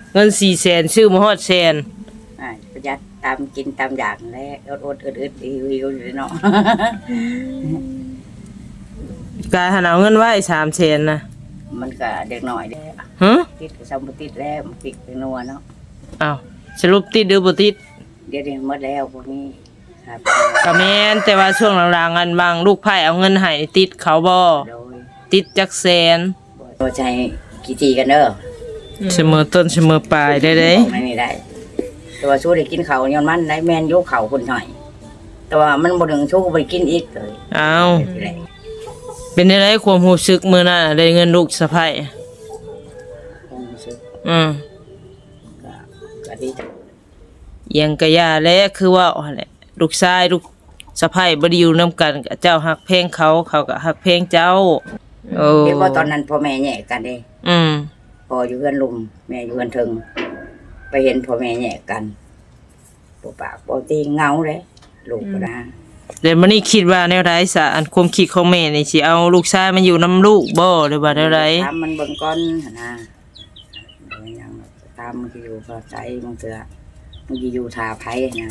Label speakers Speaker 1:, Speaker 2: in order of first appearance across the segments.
Speaker 1: เงิน400,000ซื้อมาฮอดแสน
Speaker 2: ประหยัดตามกินตามอยากแล้วอดอึดหิวอยู่เนาะ
Speaker 1: กายหันเอาเงินไว้300,000นะ
Speaker 2: มันก็เด็กหน่อยเด้อ
Speaker 1: ฮะ
Speaker 2: ติดก็ซ้ำบ่ติดแล้วมันติดเป็นนัวเนาะ
Speaker 1: อ้าวสรุปติดหรือบ่ติด
Speaker 2: เดี๋ยวนี้หมดแล้วพวกนี้ครับ
Speaker 1: ก็แม่นแต่ว่าช่วงหลังๆอันบางลูกไผ่เอาเงินให้ติดเขาบ่
Speaker 2: โดย
Speaker 1: ติดจักแสน
Speaker 2: บ่ใจกี่ทีกันเด้อ
Speaker 1: เสมอต้นเสมอปลายได้เด้
Speaker 2: ไม่ได้แต่ว่าสู้ได้กินข้าวย้อนมันได้แม่นยกข้าวคนหน่อยแต่ว่ามันบ่ถึงสู้บ่ได้กินอีกเลย
Speaker 1: อ้าวเป็นได้ไรความรู้สึกมื้อนั้นได้เงินลูกสะใภ้อืม
Speaker 2: ก็ดีจัง
Speaker 1: ยังกะยาแลคือว่าแหละลูกชายลูกสะใภ้บ่ได้อยู่นำกันเจ้าฮักเพลงเขาก็ฮักเพลงเจ้า
Speaker 2: เห็นว่าตอนนั้นพ่อแม่แยกกันเด้พ่ออยู่เฮือนลุงแม่อยู่เฮือนถึงไปเห็นพ่อแม่แยกกันบ่ปากบ่ตีเงาเลยลูกก็นะ
Speaker 1: เดี๋ยวมื้อนี้คิดว่าแนวใดซะอันความคิดของแม่นี่สิเอาลูกชายมาอยู่นำลูกบ่หรือว่าแนวใด
Speaker 2: ถามมันเบิ่งก่อนหั่นนะยังตามมันสิอยู่ก็ใจมันเถื่อมันสิอยู่ท่าไผนะ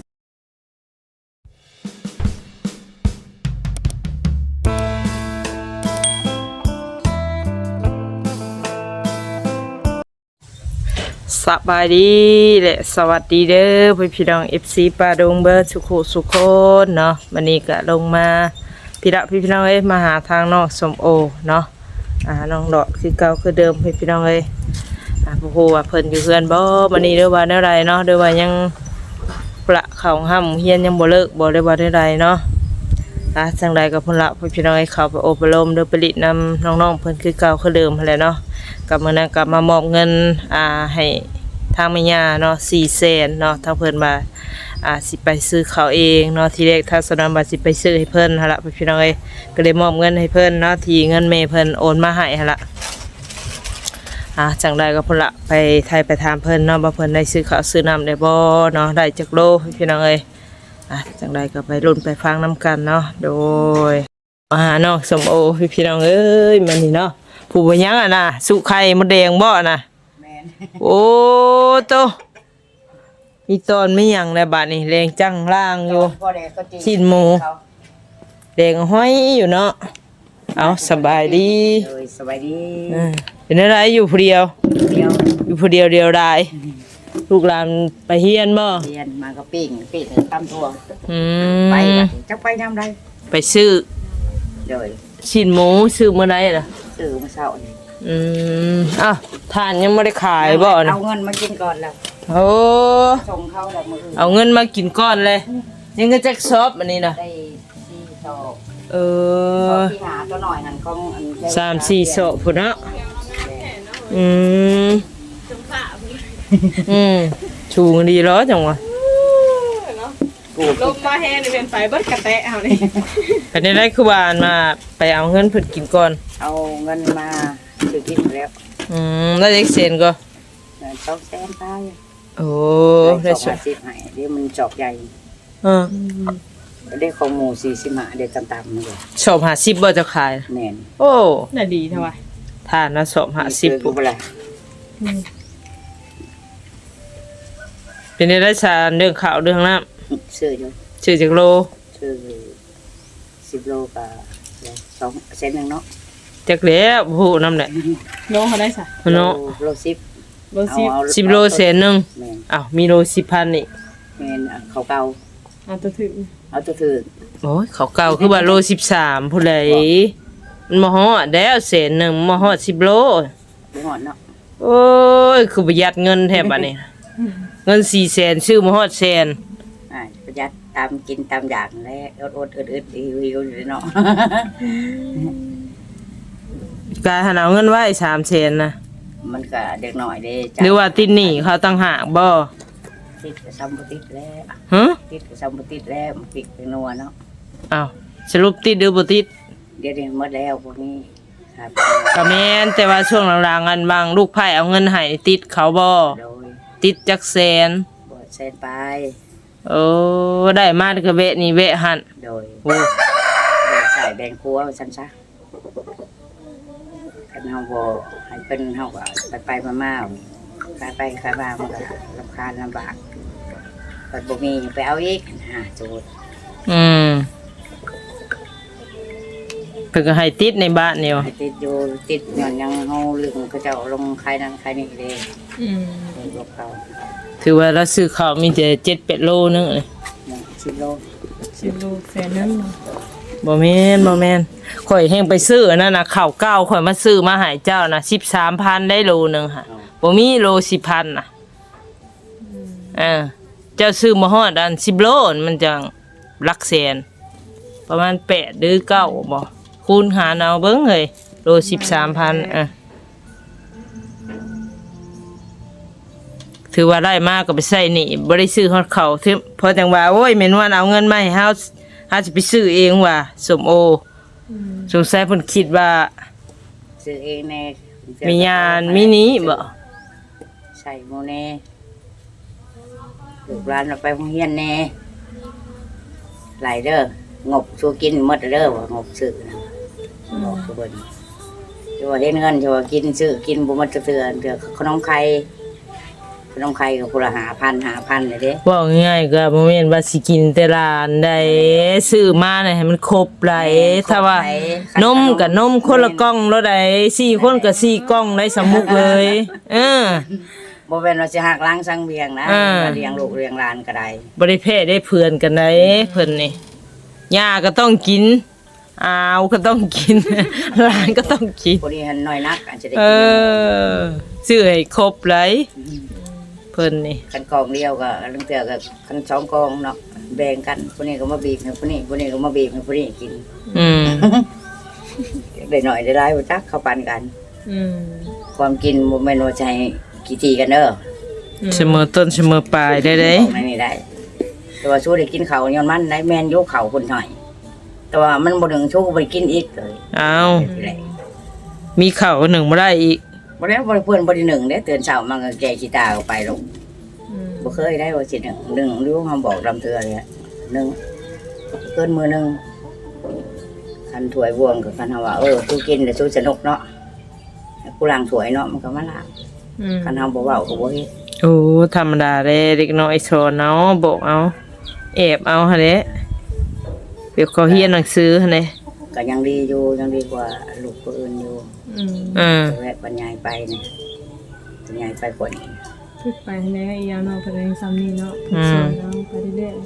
Speaker 1: สบายดีและสวัสดีเด้อพี่น้อง FC ปาดงเบิร์ดสุขคนเนาะวันนี้ก็ลงมาพี่น้องมาหาทางนอกสมโอเนาะน้องดอกคือเก่าคือเดิมพี่น้องโอ้โหว่าเพิ่นอยู่เฮือนบ่วันนี้เด้อว่าแนวใดเนาะเด้อว่ายังประเข้าห้ำเฮียนยังบ่เลิกบ่ได้ว่าแนวใดเนาะจังใดก็พุ่นละพี่น้องเข้าไปอบรมเด้อไปลิดนำน้องๆเพิ่นคือเก่าคือเดิมหั่นแหละเนาะกับมื้อนั้นก็มามอบเงินให้ทางแม่ย่าเนาะ400,000เนาะทางเพิ่นมาสิไปซื้อข้าวเองเนาะทีแรกทางสนามว่าสิไปซื้อให้เพิ่นหั่นล่ะพี่น้องก็เลยมอบเงินให้เพิ่นเนาะที่เงินแม่เพิ่นโอนมาให้หั่นล่ะจังไดก็พุ่นละไปไทยไปถามเพิ่นเนาะว่าเพิ่นได้ซื้อข้าวซื้อน้ำได้บ่เนาะได้จักโลพี่น้องจังไดก็ไปลุ้นไปฟังนํกันเนาะโดยเนาะสมโอพี่น้องมันนี่เนาะผู้บ่ยังน่ะสุไข่มดแดงบ่น่ะ
Speaker 2: แม่น
Speaker 1: โอ้โตอีตอนไม่ยังแล้วบัดนี้แรงจังล่างอยู่ชิ้นหมูแดงห้อยอยู่เนาะเอาสบายดี
Speaker 2: สบายดี
Speaker 1: เป็นอะไรอยู่ผู้เดียวอยู่ผู้เดียวเดียวดายลูกหลานไปเฮียนบ่
Speaker 2: เฮียนมาก็ปิ้งตำทั่วไปจักไปยามใด
Speaker 1: ไปซื้อ
Speaker 2: เลย
Speaker 1: ชิ้นหมูซื้อมื้อใดล่ะ
Speaker 2: ซื้อมื้อเช้านี่
Speaker 1: ทานยังไม่ได้ขายบ่
Speaker 2: เอาเงินมากินก่อนแล้ว
Speaker 1: โอ้
Speaker 2: ส่งเขาแล้วมื้อ
Speaker 1: เอาเงินมากินก่อนเลยยังก็จักซอบอันนี้น่ะ
Speaker 2: ได้4ซอบที่หาตัวหน่อยหั่นของ
Speaker 1: 3-4ซอบพุ่นเนาะชูงดีล้อจังวะ
Speaker 3: ลมมาแห้งนี่เป็นไฟเบิดกระแตะเอานี่
Speaker 1: เป็นได้คือวานมาไปเอาเงินเพิ่นกินก่อน
Speaker 2: เอาเงินมาซื้อกินแล้ว
Speaker 1: แล้วเด็กเซนก็
Speaker 2: 200,000ไป
Speaker 1: โอ้ได้
Speaker 2: 250ให้เดี๋ยวมันจอกใหญ่ได้ของหมู45เดี๋ยวต่ำๆนี่
Speaker 1: ชอบ50บ่จะขาย
Speaker 2: แม่น
Speaker 1: โอ้
Speaker 3: น่ะดีเท่าว่า
Speaker 1: ทานนะชอบ50ปุ๊บล่ะเป็นได้ชาเรื่องข้าวเรื่องน้
Speaker 2: ำซื้ออยู่
Speaker 1: ซื้อจักโล
Speaker 2: ซื้อ10โลก็2เซนนึงเนาะ
Speaker 1: จักแล้วโหนำแหละ
Speaker 3: โลเท่าไดซะ
Speaker 1: เนาะ
Speaker 2: โล10
Speaker 1: โลเซนนึงอ้าวมีโล10,000นี่
Speaker 2: แม่นเขาเก่า
Speaker 3: เอาตัวถึก
Speaker 2: โ
Speaker 1: อ้ยเขาเก่าคือว่าโล13พุ่นเลยมันบ่ฮอดแล้วเซนนึงบ่ฮอด10โล
Speaker 2: บ่ฮอดเนาะ
Speaker 1: โอ้ยคือประหยัดเงินแท้บัดนี้เงิน400,000ซื้อมาฮอดแสน
Speaker 2: ประหยัดตามกินตามอยากแล้วอดอึดหิวอยู่เนาะ
Speaker 1: กายหันเอาเงินไว้300,000นะ
Speaker 2: มันก็เด็กหน่อยเด้
Speaker 1: หรือว่าติดหนี้เขาต่างหากบ่
Speaker 2: ติดก็ซ้ำบ่ติดแล้วติดก็ซ้ำบ่ติดแล้วมันติดเป็นนัวเนาะ
Speaker 1: อ้าวสรุปติดหรือบ่ติด
Speaker 2: เดี๋ยวนี้หมดแล้วพวกนี้ครับ
Speaker 1: ก็แม่นแต่ว่าช่วงหลังๆอันบางลูกไผ่เอาเงินให้ติดเขาบ่ติดจักแสน
Speaker 2: บ่แสนไป
Speaker 1: โอ้ได้มาก็เวะนี่เวะหั่น
Speaker 2: โดยโอ้ใส่แบงครัวซั่นซะคันเฮาบ่ให้เพิ่นเฮาก็ไปมาขายไปขายมามันก็รำคาญลำบากปัดบ่มีไปเอาอีกโจทย์
Speaker 1: เพิ่นก็ให้ติดในบ้านนี่ว่ะ
Speaker 2: ให้ติดอยู่ติดย้อนยังเฮาลืมเขาเจ้าลงขายนั้นขายนี่เด้ลูกเขา
Speaker 1: ถือว่าเราซื้อข้าวมีแต่7-8โลนึงเลย
Speaker 2: 10 โล
Speaker 3: 10 ลูกแสนนึง
Speaker 1: บ่แม่นข่อยแฮงไปซื้ออันนั้นน่ะข้าวเก่าข่อยมาซื้อมาให้เจ้าน่ะ 13,000ได้โลนึงค่ะบ่มีโล 10,000 น่ะเจ้าซื้อมาฮอดอัน10 โลมันจังหลักแสนประมาณ8หรือ9บ่คูณหารเอาเบิ่งเฮ้ยโล 13,000ถือว่าได้มากก็ไปใส่หนี่บ่ได้ซื้อฮอดข้าวถึงพอจังว่าโอ้ยแม่นว่าเอาเงินมาให้เฮาสิไปซื้อเองว่ะส้มโอสงสัยเพิ่นคิดว่า
Speaker 2: ซื้อเองแน่
Speaker 1: มียานมินิบ่
Speaker 2: ใส่โมแน่ลูกหลานเราไปโรงเรียนแน่หลายเด้องบสู้กินหมดเด้อว่างบซื้อนะบอกคือเบิ่นจะว่าเห็นเงินจะว่ากินซื้อกินบ่หมดจะเตือนเด้อขนมไข่ก็พุ่นละ5,000เลยเด้
Speaker 1: เว้าง่ายๆก็บ่แม่นว่าสิกินแต่ร้านใดซื้อมาน่ะให้มันครบหลายถ้าว่านมก็นมคนละกล่องแล้วใด4คนก็4กล่องได้สำมุกเลย
Speaker 2: บ่แม่นว่าสิหักล้างสังเวียงนะเลี้ยงลูกเลี้ยงหลานก็ได้
Speaker 1: บ่ได้แพ้ได้เพื่อนกันได้เพิ่นนี่ย่าก็ต้องกินอาวก็ต้องกิน หลานก็ต้องกิน
Speaker 2: พอดีหันน้อยนักอาจจะได้
Speaker 1: เอ
Speaker 2: กิน
Speaker 1: ซื้อให้ครบเลยเพิ่นนี่
Speaker 2: คันกองเดียวก็ลังเตือก็คัน2กองเนาะแบ่งกันผู้นี้ก็มาบีบให้ผู้นี้ก็มาบีบให้ผู้นี้กิน ได้หน่อยได้หลายบ่จักเข้าปันกันความกินบ่แม่นว่าใช้กี่ทีกันเด้อ
Speaker 1: เสมอต้นเสมอปลายได้เด้
Speaker 2: ของในนี่ได้ แต่ว่าสู้ได้กินข้าวย้อนมันได้แม่นยกข้าวคนหน่อย แต่ว่ามันบ่ถึงสู้บ่ได้กินอีกเลย
Speaker 1: อ้าวมีข้าวหนึ่งบ่ได้อีก
Speaker 2: บ่ได้บ่ได้เพิ่นบ่ได้หนึ่งเด้ตื่นเช้ามันก็แก่ขี้ตาออกไปลงบ่เคยได้ว่าสิหนึ่งหรือว่าบอกลำเทือเลยหนึ่งเกินมือหนึงคันถ้วยบวงก็คันว่าสู้กินแล้วสู้สนุกเนาะกูล้างถ้วยเนาะมันก็มาล้างคันเฮาบ่เว้าก็บ่เฮ็ด
Speaker 1: โอ้ธรรมดาเด้เด็กน้อยสอนเอาบอกเอาแอบเอาหั่นแหละเดี๋ยวเขาเรียนหนังสือหั่นแหละ
Speaker 2: ก็ยังดีอยู่ยังดีกว่าลูกคนอื่นอยู่แรกบรรยายไปเนี่ยบรรยายไปกว่านี้
Speaker 3: ฝึกไปแน่อียาวเนาะเพิ่นยังซ้ำนี่เนาะสอนเนาะไปเรื่อย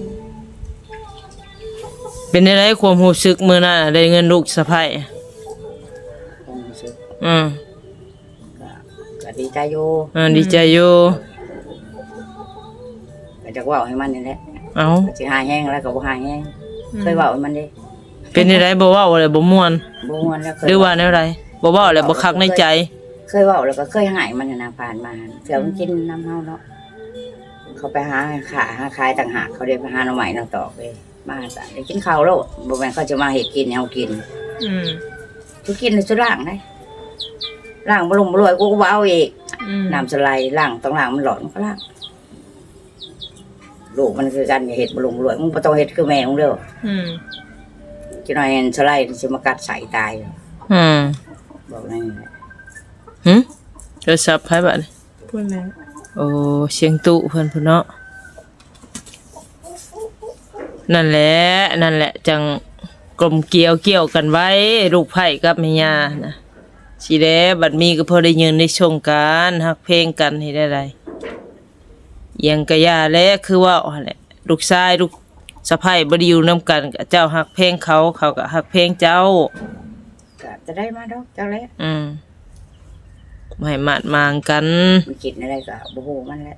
Speaker 1: เป็นได้ความรู้สึกมื้อนั้นได้เงินลูกสะใภ้
Speaker 2: คงรู้สึก ก็ดีใจอยู่
Speaker 1: ดีใจอยู่
Speaker 2: ก็จะเว่าให้มันนี่แหละ
Speaker 1: เอ้า
Speaker 2: ก็สิหายแห้งแล้วก็บ่หายแห้งเคยเว่าให้มันเด้
Speaker 1: เป็นได้บ่เว้าเลยบ่ม่วน
Speaker 2: บ่ม่วนแล้วเคย
Speaker 1: หรือว่าแนวใดบ่เว้าแล้วบ่คักในใจ
Speaker 2: เคยเว่าแล้วก็เคยหายมันนะผ่านมาเสือมันกินน้ำเฮาเนาะเขาไปหาขายต่างหากเขาได้ไปหาหน่อไม้น้ำตอกเลยมาซะได้กินข้าวแล้วบ่แม่นเขาจะมาเฮ็ดกินให้เฮากินทุกกินในสุดล่างได้ล่างบ่ลงบ่รวยกูก็บ่เอาอีกน้ำสไลด์ล่างต้องล่างมันหลอนก็ล่างลูกมันคือกันอย่าเฮ็ดบ่ลงบ่รวยมึงบ่ต้องเฮ็ดคือแม่มึงเด้อจังหน่อยสไลด์สิมากัดใส่ตายบอกนั่นแหละ
Speaker 1: โทรศัพท์ไผบัดนี้
Speaker 3: ๆพูดแล้ว
Speaker 1: โอ้เสียงตุเพิ่นพุ่นเนาะนั่นแหละจังกลมเกลียวกันไว้ลูกไผ่กับแม่ย่านะสิแลบัดมีก็พอได้ยืนได้ชมกันฮักเพลงกันให้ได้ เอียงกะยาและคือว่าอ๋อแหละลูกชายลูกสะใภ้บ่ได้อยู่นํกันกับเจ้าฮักเพลงเขาก็ฮักเพลงเจ้า
Speaker 2: ก็จะได้มาดอกเจ้าแหละ
Speaker 1: บ่ให้มาดมางกัน
Speaker 2: มันคิดอะไรก็บ่ฮู้มันแหละ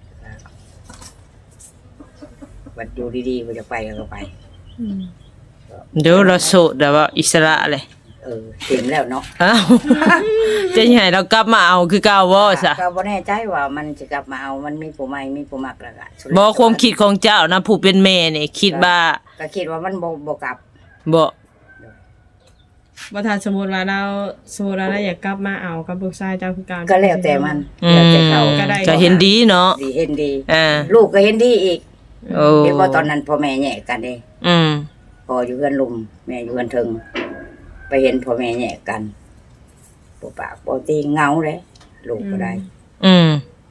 Speaker 2: บัดอยู่ดีๆบ่จะไปก็ไป
Speaker 1: เดี๋ยวเราโสดแต่ว่าอิสระเลย
Speaker 2: เต็มแล้วเนาะ
Speaker 1: อ้าวจะให้เรากลับมาเอาคือเก่าบ่ซะ
Speaker 2: ก็บ่แน่ใจว่ามันจะกลับมาเอามันมีผู้ใหม่มีผู้มักแล้วก็สุด
Speaker 1: บ่ความคิดของเจ้านะผู้เป็นแม่นี่คิดว่า
Speaker 2: ก็คิดว่ามันบ่กลับ
Speaker 1: บ่
Speaker 3: บ่ทันสมมุติว่าเราอยากกลับมาเอากับลูกชายเจ้าคือการ
Speaker 2: ก็แล้วแต่มันแล้วแต่เขา
Speaker 1: ก็เห็นดีเนาะ
Speaker 2: ดีเห็นดี
Speaker 1: ลู
Speaker 2: ลูกก็เห็นดีอีก
Speaker 1: โอ้
Speaker 2: เห็นว่าตอนนั้นพ่อแม่แยกกันเด้ พ่ออยู่เฮือนลุมแม่อยู่เฮือนเทิงไปเห็นพ่อแม่แยกกันบ่ปากบ่ตีเหงาเลยลูกก็ได้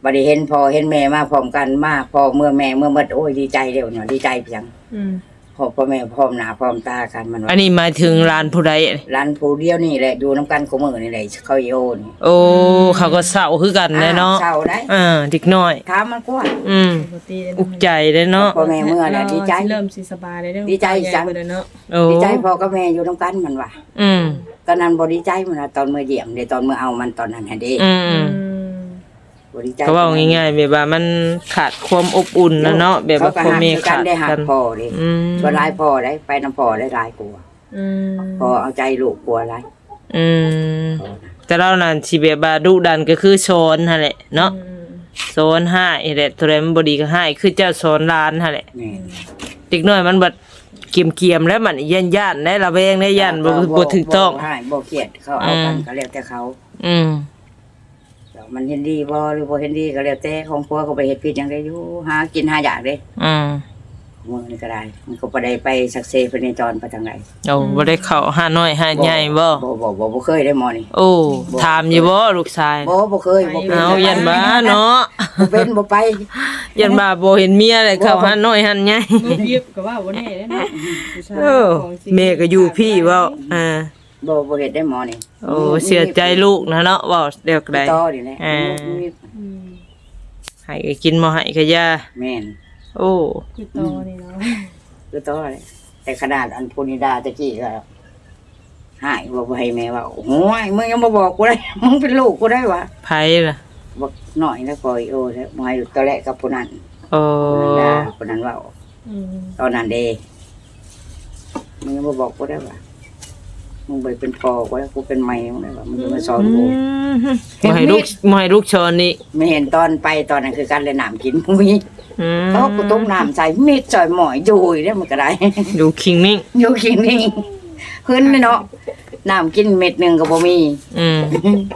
Speaker 2: บัดนี้เห็นพ่อเห็นแม่มาพร้อมกันมาพ่อเมื่อแม่เมื่อหมดโอ้ยดีใจเด้อเนาะดีใจเพียง
Speaker 3: อืม
Speaker 2: พ่อแม่พร้อมหน้าพร้อมตากันมัน
Speaker 1: อั
Speaker 2: ว่าน
Speaker 1: นี้หมายถึงร้านผู้ใด
Speaker 2: ร้านผู้เดียวนี่แหละอยู่นํกันคุมื้อนี่แหละเขาอีโอนี่
Speaker 1: โอ้เขาก็เศร้าคือกันแหละเนาะ
Speaker 2: เศร้าได้
Speaker 1: เด็กน้อย
Speaker 2: ถามมันกว่า
Speaker 3: ปกติ
Speaker 1: อุกใจเลยเนาะ
Speaker 2: พ่อแม่เมื่อน่ะดีใจ
Speaker 3: เริ่มสิสบายเลยเด้อ
Speaker 2: ดีใจจัง
Speaker 3: เนาะ
Speaker 1: โอ้
Speaker 2: ดีใจพ่อกับแม่อยู่นํกันมันว่า
Speaker 1: อืม
Speaker 2: ตอนนั้นบ่ดีใจมันว่าตอนเมื่อเยี่ยมเด้ตอนเมื่อเอามันตอนนั้นหั่นเด้
Speaker 1: อืม
Speaker 2: บ่ดีใจ
Speaker 1: เขาว่าง่ายๆแบบว่ามันขาดความอบอุ่นนะเนาะแบบว่าพ่อแม่ขาด
Speaker 2: ได้หั
Speaker 1: กั
Speaker 2: ก
Speaker 1: น
Speaker 2: พ่อเด้
Speaker 1: อืม
Speaker 2: ส่วนหลายพ่อได้ไปนํพ่อได้หลายกว่า
Speaker 3: อืม
Speaker 2: พ่อเอาใจลูกกลัวหลาย
Speaker 1: อืม
Speaker 2: พ่อน่ะ
Speaker 1: แต่เรานั่นสิแบบว่าดุดันก็คือสอนหั่นแหละเนาะ
Speaker 3: อืม
Speaker 1: สอนให้แหละตัวใดมันบ่ดีก็ให้คือเจ้าสอนหลานหั่นแหละ
Speaker 2: แม่น
Speaker 1: เด็กน้อยมันบัดเกียมๆแล้วมันย่านๆได้ระแวงได้ย่านบ่ถูกต้อง
Speaker 2: บ่ให้บ่เครียดเขาเอากันก็แล้วแต่เขา
Speaker 1: อืม
Speaker 2: มันเห็นดีบ่หรือบ่เห็นดีก็แล้วแต่ของผัวเขาไปเฮ็ดผิดหยังได้อยู่หากินหาอยากเด้
Speaker 1: อืม
Speaker 2: มื้อนี้ก็ได้มันก็บ่ได้ไปสักเซไปในจรไปทางไหน
Speaker 1: เอาบ่ได้เข้าหาน้อยหาใหญ่บ่
Speaker 2: บ่เคยได้หมอนี่
Speaker 1: โอ้ถามอยู่บ่ลูกชาย
Speaker 2: บ่เคยบ่เป็น
Speaker 1: เอายันบ้าเนาะ
Speaker 2: บ่เป็นบ่ไป
Speaker 1: ยันบ้าบ่เห็นเมียเลยเข้าหาน้อยหาใหญ่
Speaker 3: ลูกยิบก็ว่าบ่แน่เด้อเนาะผู้ชาย
Speaker 1: เออ
Speaker 3: ของจริง
Speaker 1: แม่ก็อยู่พี่เว้า
Speaker 2: บ่เฮ็ดได้หมอนี่
Speaker 1: โอ้เสียใจลูกนะเนาะเว้าเดี๋ยวใด
Speaker 2: ต่อนี่แหละ
Speaker 3: อืม
Speaker 1: ให้ก็กินบ่ให้ก็ยา
Speaker 2: แม่น
Speaker 1: โอ้
Speaker 3: คือต่อนี่เนาะ
Speaker 2: คือต่อเลยแต่ขนาดอันพูนิดาตะกี้ก็หายบ่ให้แม่ว่าโอ้ยมึงยังบ่บอกกูได้มึงเป็นลูกกูได้วะ
Speaker 1: ไผล่ะ
Speaker 2: บอกหน่อยแล้วปล่อยโอ้แล้วมาอยู่ตอนแรกกับผู้นั้น
Speaker 1: โอ้
Speaker 2: ผู้นั้นว่า
Speaker 3: อืม
Speaker 2: ตอนนั้นเดมึงยังมาบอกกูได้ว่ามึงไปเป็นพ่อกูแล้วกูเป็นแม่มึงได้ว่ามึงจะมาสอนกู
Speaker 1: บ่ให้ลูกชอนนี่
Speaker 2: ไม่เห็นตอนไปตอนนั้นคือการเล่นน้ำกินมึงมี
Speaker 1: อืม
Speaker 2: เขากูต้มน้ำใส่มีดจ่อยหมอยอยู่เนี่ยมันก็ได้
Speaker 1: อยู่คิงนิ่ง
Speaker 2: อยู่กินนี่ขึ้นเลยเนาะน้ำกินเม็ดหนึ่งก็บ่มี
Speaker 1: อืม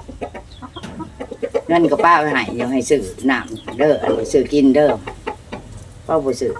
Speaker 2: เงินก็ป้าไปให้เดี๋ยวให้ซื้อน้ำเด้ออันนี้ซื้อกินเด้อป้าบ่ซื้อ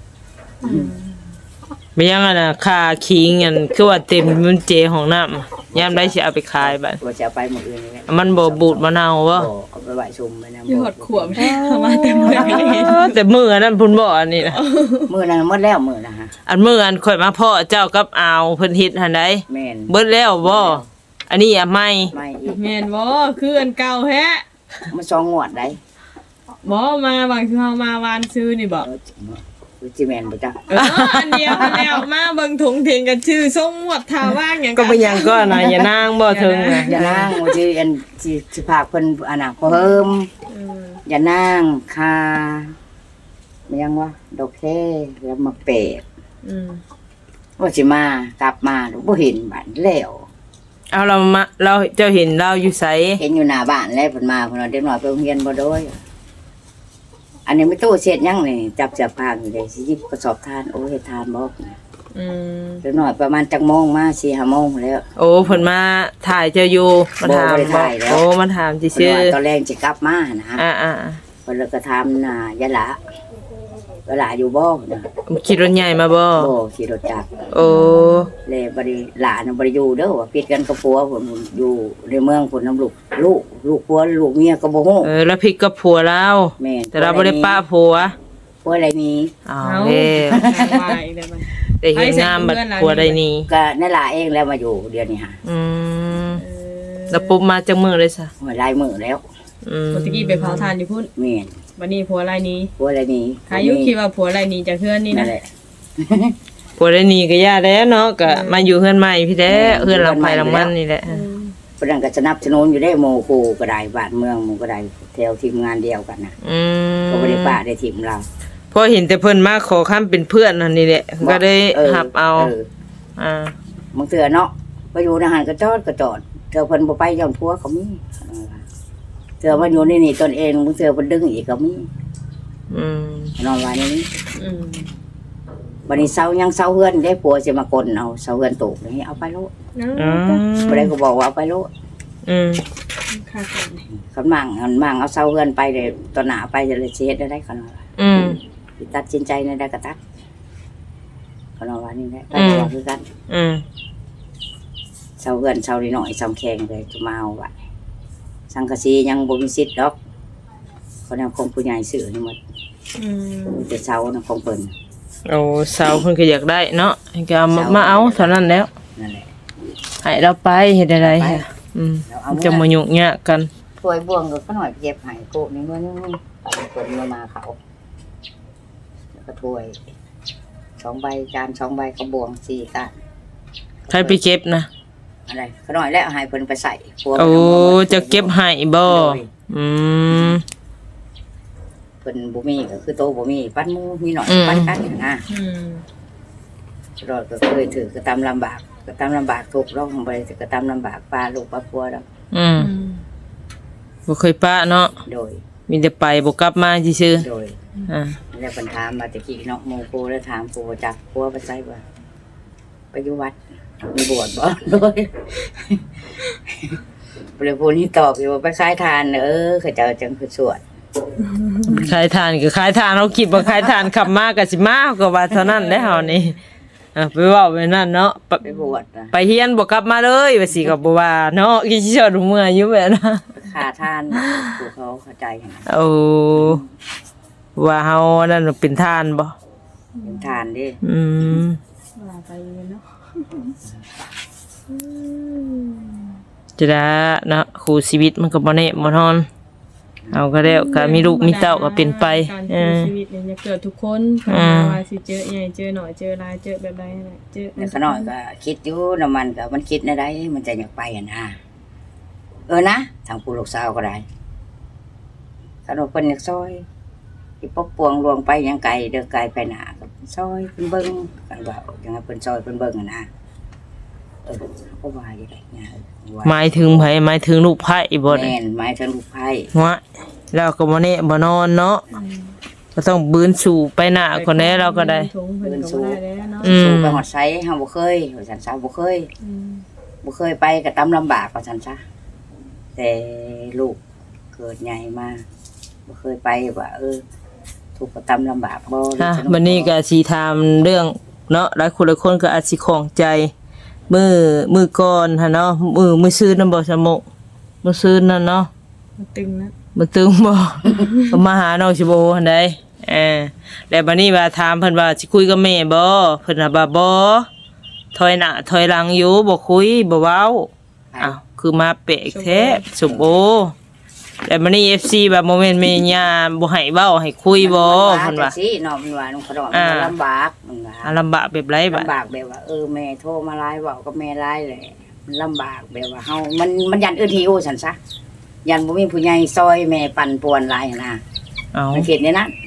Speaker 1: ไม่ยังอ่ะนะค่าคิงอันคือว่าเต็มมันเจของน้ำยามได้สิเอาไปขายบัด
Speaker 2: ว่าจะเอาไปหมดอื่นนี่แหละ
Speaker 1: มันบ่บูดมะนาวบ่
Speaker 2: เอาไปไหว้ชุมไปนะ
Speaker 3: อยู่หดขวบมาเต็มเลย
Speaker 1: แต่มื้ออันนั้นพุ่นบ่อันนี้นะ
Speaker 2: มื้อนั้นหมดแล้วมื้อนะฮะ
Speaker 1: อันมื้ออันข่อยมาพ่อเจ้ากับอาวเพิ่นเฮ็ดหั่นใด
Speaker 2: แม่น
Speaker 1: เบิดแล้วบ่อันนี้อ่ะไม่
Speaker 2: ไม่อีก
Speaker 3: แม่นบ่คืออันเก่าแฮะ
Speaker 2: มันสองงวดได้
Speaker 3: บ่มาบางคือเฮามาวานซื้อนี่บ่
Speaker 2: คือจิแม่นบ่จ๊ะ
Speaker 3: อันเดียวแล้วมาเบิ่งถุงเทงกันชื่อทรงหมวดท่าว่างหยัง
Speaker 1: ก็บ่ยังก็นะอย่านางบ่ถึงนะ
Speaker 2: อย่านั่งว่าสิอันสิพากเพิ่นอันน่ะเพิ่ม
Speaker 3: อืม
Speaker 2: อย่านั่งคามันยังวะดอกแค่แล้วมาเปด
Speaker 3: อืม
Speaker 2: ว่าสิมากลับมาบ่เห็นบ้านแล้ว
Speaker 1: เอาเราเจ้าเห็นเราอยู่ไส
Speaker 2: เห็นอยู่หน้าบ้านแล้วเพิ่นมาเพิ่นว่าเด็กน้อยไปโรงเรียนบ่โดยอันนี้ไม่ตู้เช็ดหยังนี่จับเสียบผ้าอยู่เลยสิหยิบกระสอบทานโอ้เฮ็ดทานบ่
Speaker 3: อืม
Speaker 2: เด็กน้อยประมาณจักโมงมา 4-5 โมงแล้ว
Speaker 1: โอ้เพิ่นมาถ่ายเจ้าอยู่มาถาม
Speaker 2: บ่ได้ถ่ายแล้ว
Speaker 1: โอ้มาถาม
Speaker 2: เพิ่น
Speaker 1: ซื่อ
Speaker 2: ว่าตอนแรกสิกลับมานะ
Speaker 1: อ่า
Speaker 2: เพิ่นเลยก็ถามน่ะยะหละเวลาอยู่บ่นะ
Speaker 1: ขี่รถใหญ่มาบ่
Speaker 2: บ่ขี่รถจักร
Speaker 1: โอ้
Speaker 2: เลยบ่ได้หลานน่ะบ่ได้อยู่เด้อว่าปิดกันกับผัวผมอยู่ในเมืองพุ่นนำลูกผัวลูกเมียก็บ่ฮู้
Speaker 1: แล้วพริกกับผัวเรา
Speaker 2: แม่น
Speaker 1: แต่เราบ่ได้ป้าผัว
Speaker 2: ผัวอะไรนี้
Speaker 1: อ้าว
Speaker 3: เอา
Speaker 1: เด้
Speaker 3: ว่าอีกแล้วมัน
Speaker 1: แต่เห็นงามบัดผัวได้นี่
Speaker 2: ก็นั่นล่ะเองแล้วมาอยู่เดือนนี้ฮะ
Speaker 1: อืม
Speaker 3: เออ
Speaker 1: แล้วปุ๊บมาจากมือเลยซะ
Speaker 2: หลายมื้อแล้ว
Speaker 1: อืม
Speaker 3: ปกติไปเผาทานอยู่พุ่น
Speaker 2: แม่น
Speaker 3: วันนี้ผัวรายนี้
Speaker 2: ผัวอะไรนี้
Speaker 3: อายุคิดว่าผัวรายนี้จะเคลื่อนนี่
Speaker 2: นั่
Speaker 3: นะ
Speaker 2: นแหละ
Speaker 1: ผัวได้นี่ก็ย่าแล้วเนาะก็มาอยู่เฮือนใหม่พี่แท้เฮือนหลังไผหลังมันนี่แหละ
Speaker 2: เพิ่นก็สนับสนุนอยู่ได้หมู่คู่ก็ได้บ้านเมืองหมู่ก็ได้แถวทีมงานเดียวกันน่ะ
Speaker 1: อืม
Speaker 2: ก็บ่ได้ป้าได้ทีมเรา
Speaker 1: พอเห็นแต่เพิ่นมาขอค้ำเป็นเพื่อนนั่นนี่แหละก็ได้หับเอา
Speaker 2: บางเทื่อเนาะไปอยู่ในหันก็จอดเทื่อเพิ่นบ่ไปย้อนผัวก็มีเทื่อมาอยู่ในนี่ตนเองบางเทื่อเพิ่นดึงอีกก็มี
Speaker 1: อืม
Speaker 2: นอนว่านี่
Speaker 3: อืม
Speaker 2: บัดนี้เซายังเซาเฮือนได้ผัวสิมากลเอาเซาเฮือนตกนี่เอาไปโลด
Speaker 1: อืม
Speaker 2: บ่ได้ก็บอกว่าเอาไปโลด
Speaker 1: อืม
Speaker 3: ค่ะค่ะ
Speaker 2: คันมั่งเอาเซาเฮือนไปเลยตอนหน้าไปจะเลยสิเฮ็ดได้คันว่า
Speaker 1: อืม
Speaker 2: สิตัดสินใจในได้ก็ตัดคันว่านี่แหละไปว่าคือกัน
Speaker 1: อืม
Speaker 2: เซาเฮือนเซานิดหน่อยซ้ำแข็งเลยจะมาเอาไว้สังกะสียังบ่มีสิทธิ์ดอกเขาแนวของผู้ใหญ่ซื้อให้หมด
Speaker 3: อืม
Speaker 2: มีแต่เสานะของเพิ่น
Speaker 1: โอ้สาวเพิ่นก็อยากได้เนาะก็เอามาเอาเท่านั้นแล้ว
Speaker 2: นั่นแหละ
Speaker 1: ให้เราไปเฮ็ดอะไร
Speaker 2: ไป
Speaker 1: อืม
Speaker 2: เราเอา
Speaker 1: จะมายุ่งยากกัน
Speaker 2: ถ้วยบ่วงก็หน่อยเก็บให้โกะนี่มื้อนึงเพิ่นมาเขาแล้วก็ถ้วย2ใบจาน2ใบกระบวง4ก้าน
Speaker 1: ใครไปเก็บนะ
Speaker 2: อะไรขน้อยแล้วให้เพิ่นไปใส่ครัว
Speaker 1: โอ้จะเก็บให้บ่อืม
Speaker 2: เพิ่นบ่มีก็คือโตบ่มีปั้นหมูมีหน่อย
Speaker 1: อืม
Speaker 2: ปั้นกันนะ
Speaker 3: อืม
Speaker 2: รอดก็เคยถือก็ตามลำบากก็ตามลำบากทุกข์ร้องบ่ได้ก็ตามลำบากปลาลูกปลาพัวดอก
Speaker 1: อืม
Speaker 3: อืม
Speaker 1: บ่เคยปะเนาะ
Speaker 2: โดย
Speaker 1: มีแต่ไปบ่กลับมาซื่อ
Speaker 2: โดย
Speaker 1: ๆอ่า
Speaker 2: แล้วเพิ่นถามมาตะกี้เนาะหมู่กูแล้วถามกูว่าจักพัวไปไสบ่ไปอยู่วัดมีบวชบ่ โดยเลยผู้นี้ตอบอยู่ว่าไปขายทานเขาเจ้าจังคือสวด
Speaker 1: ขายทานก็ขายทานเฮาคิดว่าขายทานขับมาก็สิมาก็ว่าเท่านั้นแหละเฮานี่ไปเว้าไปนั่นเนาะ
Speaker 2: ไปบวชนะ
Speaker 1: ไปเฮียนบ่กลับมาเลยว่าสิก็บ่ว่าเนาะกี่สิชดเมื่อยอยู่แม่นะ
Speaker 2: ขาทานกูเขาเข้าใจให้
Speaker 1: โอ้ว่าเฮานั่นเป็นทานบ่
Speaker 2: เป็นทานดิ
Speaker 1: อืม
Speaker 3: ว่าไปเนาะ
Speaker 1: จะได้เนาะคู่ชีวิตมันก็บ่แน่บ่นอน เอาก็แล้วก็มีลูกมีเต้าก็เป็นไป
Speaker 3: การ
Speaker 1: เอ
Speaker 3: ใช้
Speaker 1: อ
Speaker 3: ชีวิตเนี่ยจะเกิดทุกคนว่าสิเจอใหญ่เจอหน่อยเจอหลายเจอแบบใดนั่นแหละเจอ
Speaker 2: แต่ขน้อยก็คิดอยู่น้ำมันก็มันคิดในใดมันจะอยากไปนะนะทางผู้ลูกสาวก็ได้ขนมเพิ่นอยากซอยที่ปกปวงลวงไปยังไกลเด้อไกลไปหนาก็ซอยเพิ่นเบิ่งกันว่ายังไงเพิ่นซอยเพิ่นเบิ่งนะก็ว่าอยู่ได้เนี่ยว่า
Speaker 1: หมายถึงไผหมายถึงลูกไผบ่ได้
Speaker 2: แม่นหมายถึงลูกไผ่
Speaker 1: วะแล้วก็บ่แน่บ่นอนเนาะก็ต้องบืนสู่ไปหน้าคนแน่เราก็ได้
Speaker 3: ถุงเพิ่นก็บ่ได้แล้วเนาะ
Speaker 1: อืม
Speaker 2: สู่ไปหอดไสเฮาบ่เคยว่าซั่นซะบ่เคย
Speaker 3: อืม
Speaker 2: บ่เคยไปก็ตำลำบากว่าซั่นซะแต่ลูกเกิดใหญ่มาบ่เคยไปว่าทุกข์ก็ตำลำบากบ่
Speaker 1: ค่ะวันนี้ก็สิถามเรื่องเนาะหลายคนก็อาจสิของใจมือก่อนหั่นเนาะมือซื้อนำบ่สมกมือซื้อนั่นเนาะ
Speaker 3: มันตึงนะ
Speaker 1: มันตึงบ่ ก็มาหาน้องสิบ่หั่นใดแล้วบัดนี้ว่าถามเพิ่นว่าสิคุยกับแม่บ่เพิ่นว่าบ่ถอยหน้าถอยหลังอยู่บ่คุยบ่เว้าอ้าวคือมาเปะแท้สมโอแล้วบัดนี้ FC แบบบ่แม่นแม่ย่าบ่ให้เว้าให้คุยบ่เพิ่นว่า
Speaker 2: จังซี่เนาะมันว่าน้องขนมมันลำบากมันว่า
Speaker 1: ลำบากแบบไรบัด
Speaker 2: ลำบากแบบว่าแม่โทรมาไลน์เว้ากับแม่ไลน์แหละมันลำบากแบบว่าเฮามันยันหิวซั่นซะยันบ่มีผู้ใหญ่ซอยแม่ปั่นป่วนหลายนะ
Speaker 1: เอา
Speaker 2: มันเฮ็ดในนั้น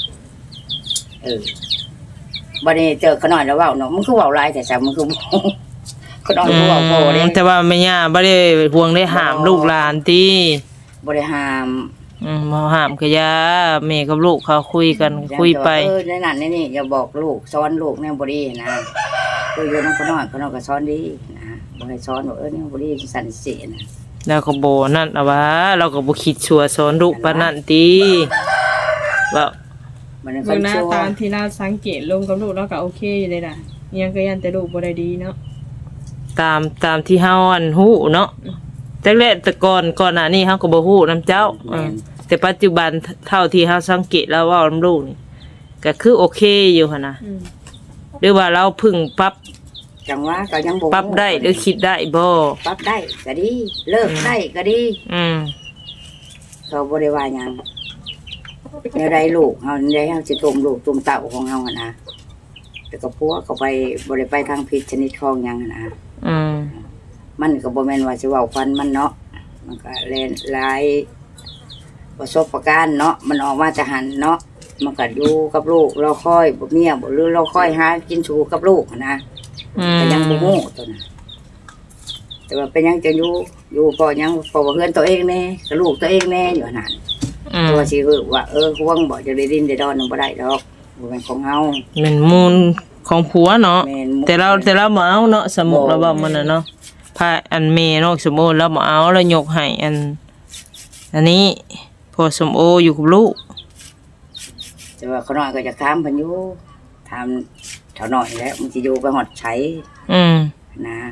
Speaker 2: บัดนี้เจอขน้อยแล้วเว้าเนาะมันคือเว้าหลายแต่ซะมันคือ ขน้อยบ่เว้าพอเด้
Speaker 1: แต่ว่าแม่ย่าบ่ได้ห่วงได้ห้ามลูกหลานติ
Speaker 2: บ่ได้ห้าม
Speaker 1: บ่ห้ามก็อย่าแม่กับลูกเขาคุยกันคุยไป
Speaker 2: ในนั้นในนี่อย่าบอกลูกสอนลูกแนวบ่ดีนะอยู่นำขน้อยก็สอนดีนะบ่ให้สอนว่าแนวบ่ดีสั่นสินะ
Speaker 1: แล้วก็บ่นั่นเอาว่าเราก็บ่คิดชั่วสอนลูกปานนั้นติว่า
Speaker 2: มัน
Speaker 3: เบิ่งหน้า
Speaker 2: ชั่ว
Speaker 3: ตามที่เราสังเกตลงกับลูกแล้วก็โอเคอยู่เลยล่ะยังก็ยันแต่ลูกบ่ได้ดีเนาะ
Speaker 1: ตามที่เฮาอันฮู้เนาะแต่แรกแต่ก่อนหน้านี้เฮาก็บ่ฮู้นํเจ้าแต่ปัจจุบันเท่าที่เฮาสังเกตแล้วเว้านำลูกนี่ก็คือโอเคอยู่หั่นน่ะ
Speaker 3: อืม
Speaker 1: หรือว่าเราเพึ่งปรับ
Speaker 2: จังว่าก็ยังบ่
Speaker 1: ปรับได้หรือคิดได้บ่
Speaker 2: ปรับได้ก็ดีเลิกได้ก็ดี
Speaker 1: อืม
Speaker 2: เขาบ่ได้ว่าหยังแนวใดลูกเฮาได้เฮาสิต้มลูกต้มเต้าของเฮาหั่นนะแต่ก็พัวเขาไปบ่ได้ไปทางพิษชนิดของหยังหั่นนะ
Speaker 1: อืม
Speaker 2: มันก็บ่แม่นว่าสิเว้าฟันมันเนาะมันก็แลนหลายประสบการณ์เนาะมันออกมาจากหันเนาะมันก็อยู่กับลูกเราค่อยบ่เมียบ่หรือเราค่อยหากินสู่กับลูกหั่นนะ
Speaker 1: อืม
Speaker 2: ก็ยังบ่ฮู้ตัวน่ะแต่ว่าเป็นหยังจะอยู่พอยังพอว่าเฮือนตัวเองแน่กับลูกตัวเองแน่อยู่หั่นน่ะ
Speaker 1: อืม
Speaker 2: ตัวสิคือว่าห่วงบ่จะได้ดินได้ดอนนำบ่ได้ดอกบ่แม่นของเฮา
Speaker 1: เป็นมูลของผัวเนาะ
Speaker 2: แม่น
Speaker 1: แต่เราบ่เอาเนาะสมมุติเราบอกมันน่ะเนาะพาอันเมเนาะสมมุติเราบ่เอาเรายกให้อันนี้พอสมโออยู่กับลูก
Speaker 2: แต่ว่าเขาน้อยก็จะถามเพิ่นอยู่ถามเท่าน้อยแล้วมันสิอยู่ไปฮอดไส
Speaker 1: อืม
Speaker 2: นะ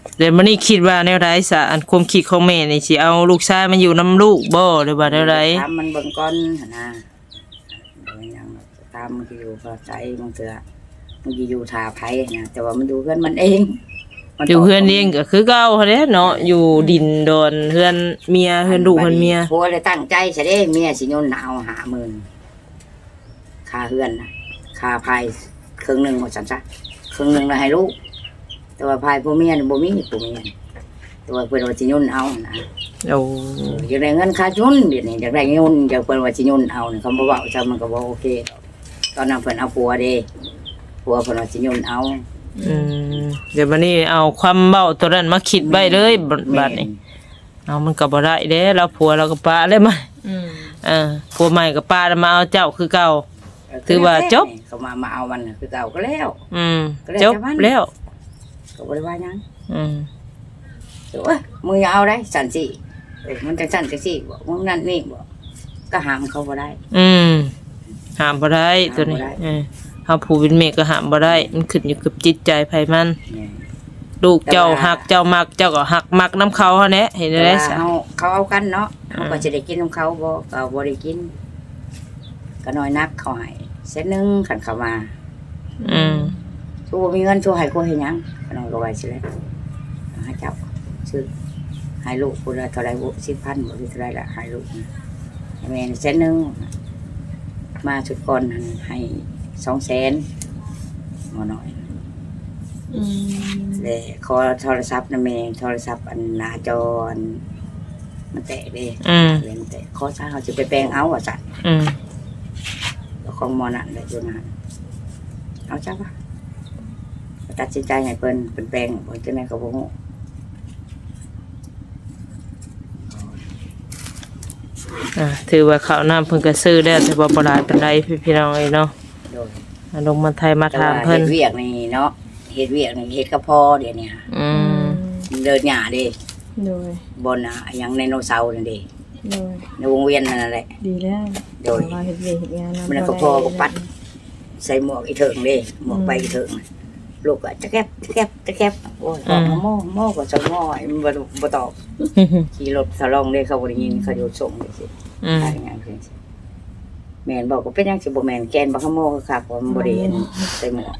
Speaker 1: เดี๋ยวมื้อนี้คิดว่าแนวใดซะอันความคิดของแม่นี่สิเอาลูกชายมาอยู่นํลูกบ่หรือว่าแนวใด
Speaker 2: ถามมันเบิ่งก่อนหั่นนะโดยยังตามมันก็อยู่พอใจมันเถื่อมันสิอยู่ท่าไผนะแต่ว่ามันอยู่เพื่อนมันเองมั
Speaker 1: อยู่เฮือนเองก็คือเก่าหั้นแหละเนาะอยู่ดินดอนเฮือนเมียเฮือนลูกเฮือนเมีย
Speaker 2: ผัวเลยตั้งใจซะเด้เมียสิโยนเอา50,000ค่าเฮือนนะค่าพายครึ่งหนึงว่าซั่นซะครึ่งหนึงน่ะให้ลูกแต่ว่าพายผู้เมียนี่บ่มีผู้เมียแต่ว่าเพิ่นว่าสิโยนเอานะ
Speaker 1: โอ้
Speaker 2: อยากได้เงินค่าจุนเดี๋ยวนี้อยากได้เงินอยากเพิ่นว่าสิโยนเอานี่เขาบ่เว้าซะมันก็บ่โอเคดอกตอนนั้นเพิ่นเอาผัวเด้ผัวเพิ่นว่าสิโยนเอา
Speaker 1: อืมเดี๋ยวบัดนี้เอาความเว้าตัวนั้นมาคิดไว้เลยบัดนี้เอามันก็บ่ได้เด้แล้วผัวเราก็ปาเลยมา
Speaker 3: อืม
Speaker 1: ผัวใหม่ก็ปาแล้วมาเอาเจ้าคือเก่า ถือว่าจบ
Speaker 2: เขามาเอามันน่ะคือเก่าก็แล้ว
Speaker 1: อืม
Speaker 2: ก็แล้ว
Speaker 1: จบ
Speaker 2: แต่มัน
Speaker 1: แล้ว
Speaker 2: ก็บ่ได้ว่าหยัง
Speaker 1: อืม
Speaker 2: แต่ว่ามึงอย่าเอาได้สั่นสิมันจังสั่นจังสิบ่มึงนั่นนี่บ่ก็ห้ามเขาบ่ได้
Speaker 1: อืมห้ามบ่ได้ตัวนี้
Speaker 2: ห้ามบ่ได้
Speaker 1: เฮาผู้เป็นแม่ก็ห้ามบ่ได้ มันขึ้นอยู่กับจิตใจไผมัน
Speaker 2: นี่
Speaker 1: ลูกเจ้า
Speaker 2: แต่ว่า
Speaker 1: หักเจ้ามักเจ้าก็หักมักน้ำเขาเฮาแหละเห็น
Speaker 2: แต่
Speaker 1: ได้
Speaker 2: ว่า
Speaker 1: ซะ
Speaker 2: เขาเอากันเนาะเขาก็จะได้กินของเขาบ่ก็บ่ได้กินก็น้อยนักเขาให้เส้นหนึงคันเขามา
Speaker 1: อืม
Speaker 2: ชูบ่มีเงินชูให้กูเฮ็ดหยังก็น้องก็ว่าสิแหละให้เจ้าซื้อให้ลูกผู้ละเท่าไหร่บ่10,000บ่หรือเท่าไหร่ละให้ลูกนะให้แม่นี่เส้นหนึงมาชุดก่อนหั่นให้200,000บ่น้อย
Speaker 3: อืม
Speaker 2: เลยขอโทรศัพท์นะแม่โทรศัพท์อันหน้าจออันมันแตกเด้
Speaker 1: อืม
Speaker 2: เลยมันแตกขอซะเขาจะไปแปลงเอาว่าซั่น
Speaker 1: อืม
Speaker 2: ของหมอนั่นเลยอยู่นั่นเอาจ้ะปะตัดสินใจให้เพิ่นเป็นแปลงบ่จังได๋ก็บ่ฮู้
Speaker 1: ถือว่าข้าวน้ำเพิ่นก็ซื้อแล้วแต่ว่าบ่หลายปานใดพี่น้องเอ้ยเนาะ
Speaker 2: โดย
Speaker 1: ลงมาไทยมา
Speaker 2: แต่
Speaker 1: ถาม
Speaker 2: ว่า
Speaker 1: เพิ่น
Speaker 2: เฮ็ดเวียกนี่เนาะเฮ็ดเวียกนี่เฮ็ดกับพ่อเดี๋ยวนี้ค่ะ
Speaker 1: อืม
Speaker 2: เดินหญ้าเด้
Speaker 3: โดย
Speaker 2: บนน่ะหยังไดโนเสาร์นั่นเด้
Speaker 3: โดย
Speaker 2: ในวงเวียนนั่นแหละ
Speaker 3: ดีแล้ว
Speaker 2: โดย
Speaker 3: เราเฮ็ดเวียกเฮ็ดงานนำ
Speaker 2: มันก็พอก็ปัด ใส่หมวกอีเถิงเด้หมวกใบอีเถิงน่ะลูกก็จะแก็บโอ้ยพ่อมาโม่ก็จะง้อยมันบ่ตอบ ขี่รถสลองเลยเขาบ่ได้ยินเขาอยู่ส่งเลยสิ
Speaker 1: อืม
Speaker 2: อะไรอย่างเงี้ยแม่นบอกว่าเป็นหยังสิบ่แม่นแกนบ่ขโมยคักว่ามันบ่ได้เห็นใส่หมวก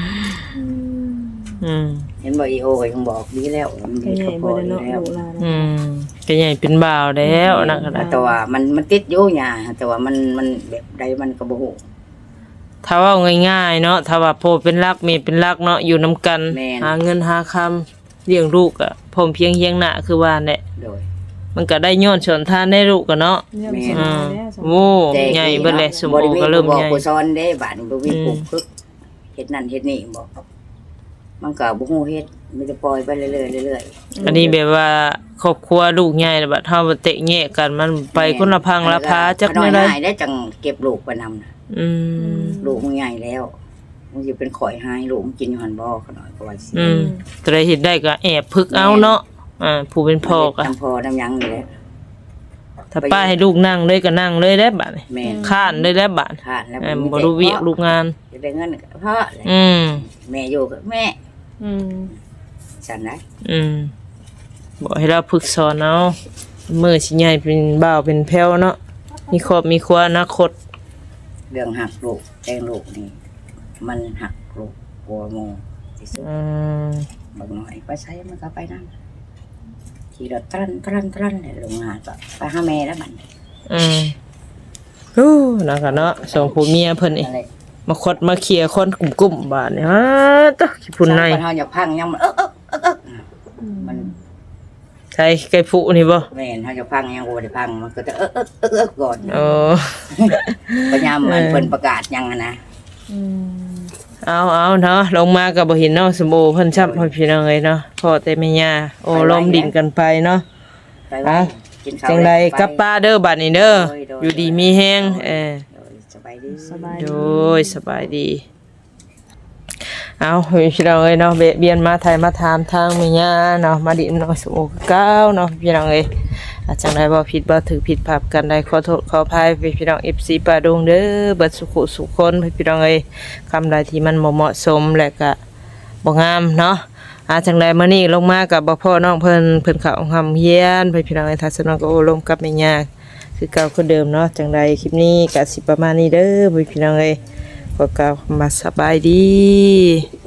Speaker 1: อืม
Speaker 2: เห็นบ่อีโอก็ยังบอกดีแล้วมัน
Speaker 3: ก็
Speaker 2: มี
Speaker 3: ใหญ่
Speaker 2: เขาพ
Speaker 3: บ่
Speaker 2: อ
Speaker 3: ได้
Speaker 2: อยู่
Speaker 3: เนาะ
Speaker 2: แล้ว
Speaker 3: ลูกหลาน
Speaker 1: อืมก็ใหญ่เป็นบ่าวแล้วนะก็ได้
Speaker 2: แต่ว่ามันติดอยู่หยังแต่ว่ามันแบบใดมันก็บ่ฮู้
Speaker 1: ถ้าเว่าง่ายๆเนาะถ้าว่าพ่อเป็นรักแม่เป็นรักเนาะอยู่นํกัน
Speaker 2: แม่น
Speaker 1: หาเงินหาคำเลี้ยงลูกอ่ะพร้อมเพรียงเฮียงหน้าคือว่าแหละ
Speaker 2: โดย
Speaker 1: มันก็ได้ย้อนชนทานได้ลูกกันเนาะ
Speaker 3: เรื่อง
Speaker 2: แม่
Speaker 3: ส
Speaker 2: น
Speaker 3: ม
Speaker 1: อื
Speaker 3: บู
Speaker 1: ม
Speaker 3: รณ์แล้วสมบูรณ์
Speaker 1: โว้ใหญ่เบิดเลยสม
Speaker 2: บ่
Speaker 1: อง
Speaker 2: ได้มี
Speaker 1: ก็เริ่ม
Speaker 2: ผู้บอ
Speaker 1: ให
Speaker 2: ก
Speaker 1: ญ่
Speaker 2: ผู้สอนเด้บัดนี้บ่มีผู้ฝึกเฮ็ดนั่นเฮ็ดนี่บอกมันก็บ่ฮู้เฮ็ดมันจะปล่อยไปเรื่อยๆเรื่อยๆ
Speaker 1: อันนี้แบบว่าครอบครัวลูกใหญ่แล้วบัดเฮาบ่เตะแยกกันมันไปคนละพังละพาจัก
Speaker 2: น้
Speaker 1: แม่
Speaker 2: อย
Speaker 1: ได้
Speaker 2: หายได้จังเก็บลูกไปนำน่ะ
Speaker 1: อืม
Speaker 2: ลูกมึงใหญ่แล้วมึงสิเป็นข่อยหายลูกมึงกินอยู่หั่นบ่เขาน้อยก็ว่าสิ
Speaker 1: อืมแต่ได้เฮ็ดได้ก็แอบพึกเอาเนาะผู้เป็นพ่อก็
Speaker 2: น้ำพ่อน้ำหยังนี่แหละ
Speaker 1: ถ้าป้าให้ลูกนั่งเลยก็นั่งเลยได้บัดนี้
Speaker 2: แม่น
Speaker 1: ข้านเลยได้บัด
Speaker 2: ขาดแล้ว
Speaker 1: บ่รู้เวียกลูกงาน
Speaker 2: จะได้เงินก็พ่อแหละ
Speaker 1: อืม
Speaker 2: แม่อยู่กับแม่
Speaker 3: อืม
Speaker 2: ฉันได้
Speaker 1: อืมบอกให้เราฝึกสอนเอามือสิใหญ่เป็นบ่าวเป็นแพ้วเนาะมีครอบมีครัวอนาคต
Speaker 2: เรื่องหักลูกแตงลูกนี่มันหักลูกกลัวโมที่สุด
Speaker 1: อืม
Speaker 2: บางหน่อยไปใช้มันก็ไปนั่นขี่รถตรันเลยลงมาก็ไปหาแม่แล้วมัน
Speaker 1: อืมโอ้นะคะเนาะสองผัวเมียเพิ่นนี่
Speaker 2: อะไร
Speaker 1: มาคดมาเคลียร์คนกลุ่มๆบาดนี่ฮะตะขี้พุ่นใน
Speaker 2: เฮาอย่าพังยังมันมัน
Speaker 1: ใช่ไก่ผู้นี่บ่
Speaker 2: แม่นเฮาจะพังยังบ่ได้พังมันก็จะก่อน
Speaker 1: โอ้
Speaker 2: พยายามมันเพิ่นประกาศยังอะนะ
Speaker 3: อืม
Speaker 1: เอาเนาะลงมาก็บ่เห็นเนาะสมโอเพิ่นช้ำพ่อพี่น้องเอ้ยเนาะพ่อแต่แม่ย่าโอ้ลมดินกันไปเนาะ
Speaker 2: ไปไว้กินข้าว
Speaker 1: จังไดกับป้าเด้อบัดนี้เด้อ
Speaker 2: โดย
Speaker 1: อยู่ดีมีแฮง
Speaker 2: สบายดี
Speaker 3: สบาย
Speaker 1: โดยสบายดี เอาพี่น้องเอ้ยเนาะเบียนมาไทยมาถามทางแม่ย่าเนาะมาดินเนาะสมโอเก้าเนาะพี่น้องเอ้ยอาจจังไดบ่ผิดบ่ถือผิดพลาดกันได้ขอโทษขออภัยพี่น้อง FC ป้าดงเด้อเบิดสุขสุขคนพี่น้องเอ้ยคำใดที่มันบ่เหมาะสมและก็บ่งามเนาะจังใดมื้อนี้ลงมากับบ่พ่อน้องเพิ่นเข้าห้องเฮียนไปพี่น้องไอ้ทัศนก็โอ้ลมกับแม่ย่าคือเก่าคือเดิมเนาะจังใดคลิปนี้ก็สิประมาณนี้เด้อพี่น้องเอ้ยขอกล่าวคำว่าสบายดี